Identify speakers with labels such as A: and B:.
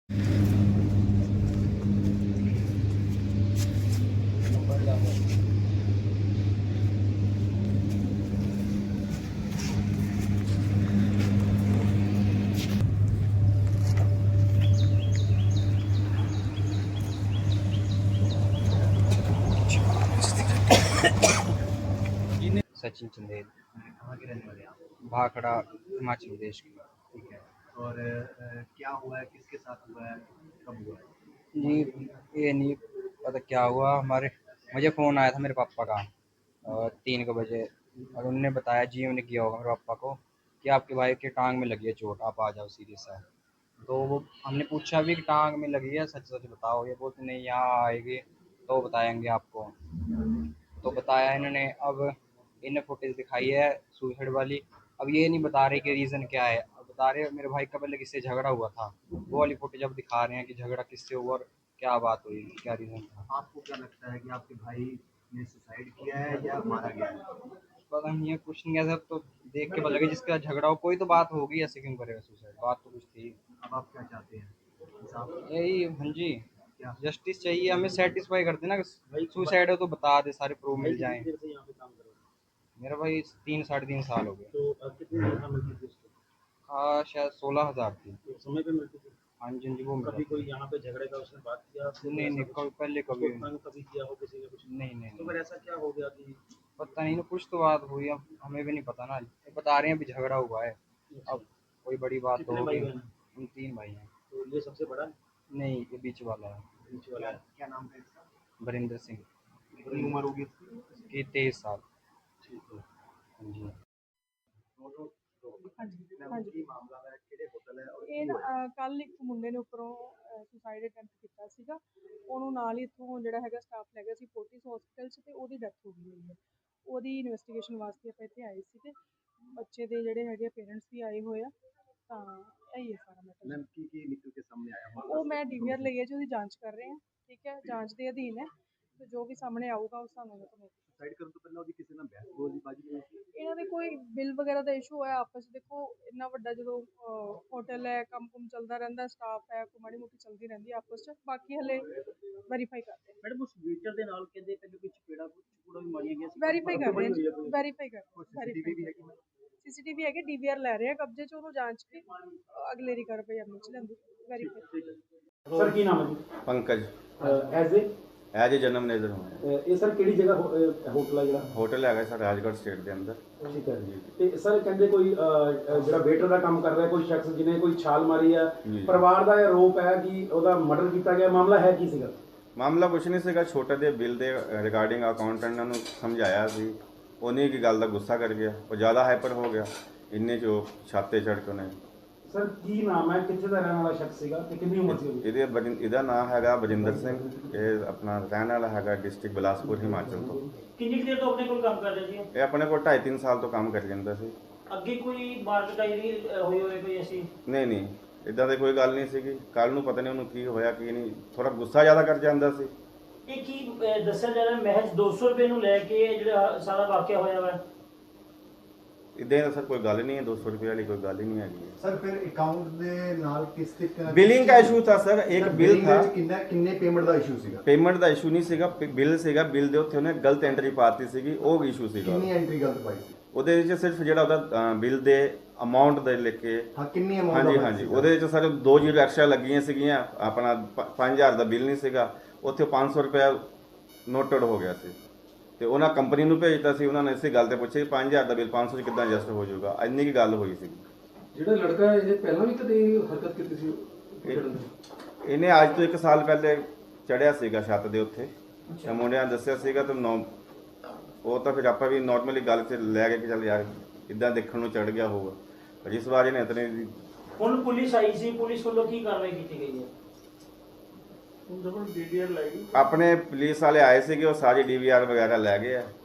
A: सचिन चंदेल।
B: कहाँ के रहने वाले हैं आप?
A: भाखड़ा, हिमाचल प्रदेश की।
B: ठीक है। और क्या हुआ है, किसके साथ हुआ है, कब हुआ है?
A: जी, ये नहीं पता क्या हुआ। मुझे फ़ोन आया था मेरे पापा का 3 बजे, और उनने बताया, जी उन्हें किया होगा मेरे पापा को, कि आपके भाई के टांग में लगी है चोट, आप आ जाओ, सीरियस है। तो वो हमने पूछा भी कि टांग में लगी है, सच सच बताओ। ये बोलते नहीं, यहाँ आएगी तो बताएंगे आपको। तो बताया इन्होंने। अब इन्हें फुटेज दिखाई है सुसाइड वाली। अब ये नहीं बता रहे कि रीज़न क्या है। अब बता रहे मेरे भाई का पहले किससे झगड़ा हुआ था, वो वाली फुटेज अब दिखा रहे हैं कि झगड़ा किससे हुआ और क्या बात हुई, क्या रीज़न था।
B: आपको क्या लगता है कि आपके भाई ने सुसाइड किया है या मारा गया है?
A: पता नहीं है, कुछ नहीं है सर। तो देख के पता लगे जिसका झगड़ा हो, कोई तो बात होगी, ऐसे क्यों करेगा सुसाइड, बात तो कुछ थी।
B: अब आप क्या चाहते हैं? इंसाफ?
A: यही, हाँ जी,
B: क्या?
A: जस्टिस चाहिए हमें। सेटिस्फाई कर देना, सुसाइड हो तो बता दे, सारे प्रूफ मिल जाएं।
B: कितनी देर से यहाँ पे काम कर रहे हो?
A: मेरा भाई 3 साढ़े 3 साल हो गए।
B: तो कितनी तनख्वाह मिलती थी उसको?
A: हाँ, शायद 16,000 थी।
B: तो समय पे मिलती थी?
A: हाँ जी, हाँ जी, वो मिला
B: कभी
A: था।
B: कोई यहाँ पे झगड़े का उसने बात किया आपसे?
A: नहीं नहीं, कभी पहले
B: उसको
A: कभी
B: तंग कभी किया हो किसी ने कुछ?
A: नहीं नहीं
B: तो
A: नहीं।
B: फिर ऐसा क्या हो गया कि?
A: पता नहीं ना, कुछ तो बात हुई, अब हमें भी नहीं पता ना। ये बता रहे हैं अभी झगड़ा हुआ है।
B: अच्छा।
A: अब कोई बड़ी बात तो
B: कितने भाई
A: होगी।
B: बहन हैं?
A: हम 3 भाई हैं।
B: तो ये सबसे बड़ा है?
A: नहीं, ये बीच वाला है।
B: बीच वाला है। क्या नाम है इसका?
A: वरिंदर सिंह।
B: कितनी उम्र होगी इसकी?
A: इसकी 23 साल।
B: ठीक है।
A: हाँ जी।
C: ਹਾਂਜੀ
B: ਮਾਮਲਾ ਹੈ ਕਿਹੜੇ ਹੋਟਲ ਹੈ ਔਰ
C: ਇਹ ਨਾ ਕੱਲ ਇੱਕ ਮੁੰਡੇ ਨੇ ਉੱਪਰੋਂ ਸੁਸਾਈਡ ਅਟੈਂਪਟ ਕੀਤਾ ਸੀਗਾ। ਉਹਨੂੰ ਨਾਲ ਹੀ ਇੱਥੋਂ ਜਿਹੜਾ ਹੈਗਾ ਸਟਾਫ ਲੈ ਗਿਆ ਸੀ ਫੋਰਟਿਸ ਹਸਪੀਟਲ 'ਚ, ਤੇ ਉਹਦੀ ਡੈਥ ਹੋ ਗਈ ਹੋਈ ਹੈ। ਉਹਦੀ ਇਨਵੈਸਟੀਗੇਸ਼ਨ ਵਾਸਤੇ ਆਪਾਂ ਇੱਥੇ ਆਏ ਸੀ, ਤੇ ਬੱਚੇ ਦੇ ਜਿਹੜੇ ਹੈਗੇ ਪੇਰੈਂਟਸ ਵੀ ਆਏ ਹੋਏ ਆ। ਤਾਂ ਇਹੀ ਹੈ ਸਾਰਾ ਮੈਟਰ।
B: ਮੈਮ ਕੀ ਨਿਕਲ ਕੇ ਸਾਹਮਣੇ ਆਇਆ?
C: ਉਹ ਮੈਂ ਡੀਵੀਆਰ ਲਈ ਹੈ ਜੀ, ਉਹਦੀ ਜਾਂਚ ਕਰ ਰਹੇ ਹਾਂ। ਠੀਕ ਹੈ, ਜਾਂਚ ਦੇ ਅਧੀਨ ਹੈ, ਤੇ ਜੋ ਵੀ ਸਾਹਮਣੇ ਆਊਗਾ ਉਹ ਸਾਨੂੰ
B: ਸੁਸਾਈਡ ਕਰਨ ਤੋਂ ਪਹਿਲਾਂ ਉਹਦੀ ਕਿਸੇ ਨਾਲ ਬਹਿਸਬਾਜ਼ੀ ਹੋਈ ਸੀ?
C: ਇਹਨਾਂ ਦੇ ਕੋਈ ਬਿੱਲ ਵਗੈਰਾ ਦਾ ਇਸ਼ੂ ਹੋਇਆ ਆਪਸ 'ਚ। ਦੇਖੋ ਇੰਨਾ ਵੱਡਾ ਜਦੋਂ ਹੋਟਲ ਹੈ, ਕੰਮ ਕੁਮ ਚੱਲਦਾ ਰਹਿੰਦਾ, ਸਟਾਫ ਹੈ, ਕੋਈ ਮਾੜੀ ਮੋਟੀ ਚੱਲਦੀ ਰਹਿੰਦੀ ਆਪਸ 'ਚ। ਬਾਕੀ ਹਲੇ ਵੈਰੀਫਾਈ ਕਰਦੇ ਹਾਂ।
B: ਮੈਡਮ ਉਸ ਵੇਟਰ ਦੇ ਨਾਲ ਕਹਿੰਦੇ ਕੋਈ ਚਪੇੜਾ ਵੀ ਮਾਰੀਆਂ ਗਈਆਂ ਸੀ?
C: ਵੈਰੀਫਾਈ ਕਰ ਰਹੇ ਹਾਂ, ਵੈਰੀਫਾਈ ਕਰ
B: ਸੀਸੀਟੀਵੀ ਹੈਗੀ?
C: ਸੀਸੀਟੀਵੀ ਹੈਗੇ, ਡੀਵੀਆਰ ਲੈ ਰਹੇ ਆ ਕਬਜ਼ੇ 'ਚ, ਉਹਨੂੰ ਜਾਂਚ ਕੇ ਅਗਲੇਰੀ ਕਾਰਵਾਈ ਅਮਲ 'ਚ ਲੈਂਦੀ ਵੈਰੀਫਾਈ।
B: ਸਰ ਕੀ ਨਾਮ ਹੈ ਜੀ?
D: पंकज
B: ਐਜ਼
D: एज ए जन्म नेजर हूँ।
B: ਇਹ ਸਰ ਕਿਹੜੀ ਜਗ੍ਹਾ ਹੋਟਲ ਹੈ ਜਿਹੜਾ?
D: होटल है सर राजगढ़ स्टेट के अंदर।
B: ਠੀਕ ਹੈ ਜੀ। ਤੇ ਸਰ ਕਹਿੰਦੇ ਕੋਈ ਜਿਹੜਾ ਵੇਟਰ ਦਾ ਕੰਮ ਕਰ ਰਿਹਾ ਕੋਈ ਸ਼ਖਸ ਜਿਹਨੇ ਕੋਈ ਛਾਲ ਮਾਰੀ ਆ,
D: ਜੀ।
B: ਪਰਿਵਾਰ ਦਾ ਇਹ ਆਰੋਪ ਹੈ ਕਿ ਉਹਦਾ ਮਰਡਰ ਕੀਤਾ ਗਿਆ। ਮਾਮਲਾ ਹੈ ਕੀ ਸੀਗਾ?
D: ਮਾਮਲਾ ਕੁਛ ਨਹੀਂ ਸੀਗਾ, ਛੋਟੇ ਜਿਹੇ ਬਿੱਲ ਦੇ ਰਿਗਾਰਡਿੰਗ ਅਕਾਊਂਟੈਂਟ ਨੂੰ ਸਮਝਾਇਆ ਸੀ, ਉਹਨੇ ਕੀ ਗੱਲ ਦਾ ਗੁੱਸਾ ਕਰ ਗਿਆ, ਉਹ ਜ਼ਿਆਦਾ ਹਾਈਪਰ ਹੋ ਗਿਆ, ਇੰਨੇ 'ਚ ਉਹ ਛੱਤ 'ਤੇ ਚੜ੍ਹ ਕੇ ਉਹਨੇ।
B: ਸਰ ਕੀ ਨਾਮ ਹੈ, ਕਿੱਥੇ ਦਾ ਰਹਿਣ ਵਾਲਾ ਸ਼ਖਸ ਸੀਗਾ ਤੇ ਕਿੰਨੀ ਉਮਰ ਸੀ ਉਹਦੀ?
D: ਇਹਦਾ ਨਾਮ ਹੈਗਾ ਵਰਿੰਦਰ ਸਿੰਘ। ਇਹ ਆਪਣਾ ਰਹਿਣ ਵਾਲਾ ਹੈਗਾ ਡਿਸਟ੍ਰਿਕਟ ਬਿਲਾਸਪੁਰ ਹਿਮਾਚਲ ਤੋਂ।
E: ਕਿੰਨੀ ਦੇਰ ਤੋਂ ਆਪਣੇ ਕੋਲ ਕੰਮ ਕਰ ਰਹੇ ਸੀ?
D: ਇਹ ਆਪਣੇ ਕੋਲ 2.5-3 ਸਾਲ ਤੋਂ ਕੰਮ ਕਰੀ ਜਾਂਦਾ ਸੀ।
E: ਅੱਗੇ ਕੋਈ ਮਾਰਕਟਾਈ ਨਹੀਂ ਹੋਈ ਹੋਵੇ ਕੋਈ ਐਸੀ?
D: ਨਹੀਂ ਇਦਾਂ ਦੀ ਕੋਈ ਗੱਲ ਨਹੀਂ ਸੀਗੀ। ਕੱਲ ਨੂੰ ਪਤਾ ਨਹੀਂ ਉਹਨੂੰ ਕੀ ਹੋਇਆ ਕੀ ਨਹੀਂ, ਥੋੜਾ ਗੁੱਸਾ ਜ਼ਿਆਦਾ ਕਰ ਜਾਂਦਾ ਸੀ।
E: ਇਹ ਕੀ ਦੱਸਿਆ ਜਾ ਰਿਹਾ ਮਹਿਜ਼ 200 ਰੁਪਏ ਨੂੰ ਲੈ ਕੇ ਜਿਹੜਾ ਸਾਰਾ ਵਾਕਿਆ ਹੋਇਆ ਵਾ?
D: ਇਦਾਂ ਦਾ ਸਰ ਕੋਈ ਗੱਲ ਨਹੀਂ ਹੈ, 200 ਰੁਪਏ ਵਾਲੀ ਕੋਈ ਗੱਲ ਹੀ ਨਹੀਂ ਹੈਗੀ।
F: सर फिर अकाउंट ਦੇ ਨਾਲ ਕਿਸ ਤਰੀਕੇ ਨਾਲ
D: ਬਿਲਿੰਗ ਦਾ ਇਸ਼ੂ था ਸਰ, ਇੱਕ ਬਿੱਲ था।
F: ਕਿੰਨੇ ਪੇਮੈਂਟ ਦਾ ਇਸ਼ੂ ਸੀਗਾ?
D: ਪੇਮੈਂਟ ਦਾ ਇਸ਼ੂ ਨਹੀਂ ਸੀਗਾ, ਬਿੱਲ ਸੀਗਾ। ਬਿੱਲ ਦੇ ਉੱਤੇ ਉਹਨੇ ਗਲਤ ਐਂਟਰੀ ਪਾਤੀ ਸੀਗੀ, ਉਹ ਇਸ਼ੂ ਸੀਗਾ।
F: ਕਿੰਨੀ ਐਂਟਰੀ ਗਲਤ ਪਾਈ ਸੀ?
D: ਉਹਦੇ ਵਿੱਚ ਸਿਰਫ ਜਿਹੜਾ ਉਹਦਾ ਬਿੱਲ ਦੇ ਅਮਾਉਂਟ ਦੇ ਲਿਖ ਕੇ,
F: ਹਾਂ ਕਿੰਨੀ ਅਮਾਉਂਟ?
D: ਹਾਂਜੀ ਉਹਦੇ ਵਿੱਚ ਸਰ 2 ਜ਼ੀਰੋ ਐਕਸਟਰਾ ਲੱਗੀਆਂ ਸੀਗੀਆਂ। ਆਪਣਾ 5000 ਦਾ ਬਿੱਲ ਨਹੀਂ ਸੀਗਾ, ਉੱਥੇ 500 ਰੁਪਏ ਨੋਟਡ ਹੋ ਗਿਆ ਸੀ। ਤੇ ਉਹਨਾਂ ਕੰਪਨੀ ਨੂੰ ਭੇਜਤਾ ਸੀ। ਉਹਨਾਂ ਨੇ ਇਸੇ ਗੱਲ ਤੇ ਪੁੱਛਿਆ 5000 ਦਾ ਬਿੱਲ 500 'ਚ ਕਿੱਦਾਂ ਐਡਜਸਟ ਹੋ ਜਾਊਗਾ, ਇੰਨੀ ਕੀ ਗੱਲ ਹੋਈ ਸੀ।
B: ਜਿਹੜਾ ਲੜਕਾ ਇਹ ਪਹਿਲਾਂ ਵੀ ਕਦੇ ਹਰਕਤ ਕੀਤੀ ਸੀ?
D: ਇਹਨੇ ਅੱਜ ਤੋਂ 1 ਸਾਲ ਪਹਿਲੇ ਚੜਿਆ ਸੀਗਾ ਛੱਤ ਦੇ ਉੱਤੇ, ਤੇ ਮੁੰਡਿਆਂ ਨੇ ਦੱਸਿਆ ਸੀਗਾ। ਤੇ ਉਹ ਤਾਂ ਫਿਰ ਆਪਾਂ ਵੀ ਨਾਰਮਲੀ ਗੱਲ 'ਚ ਲੈ ਕੇ ਚੱਲ ਯਾਰ ਇਦਾਂ ਦੇਖਣ ਨੂੰ ਚੜ ਗਿਆ ਹੋਊਗਾ, ਪਰ ਇਸ ਵਾਰ ਇਹਨੇ ਇਤਨੇ।
E: ਹੁਣ ਪੁਲਿਸ ਆਈ ਸੀ, ਪੁਲਿਸ ਵੱਲੋਂ ਕੀ ਕਾਰਵਾਈ ਕੀਤੀ ਗਈ ਹੈ?
D: ਆਪਣੇ ਪੁਲਿਸ ਵਾਲੇ ਆਏ ਸੀਗੇ, ਉਹ ਸਾਰੀ DVR ਵਗੈਰਾ ਲੈ ਗਏ ਆ।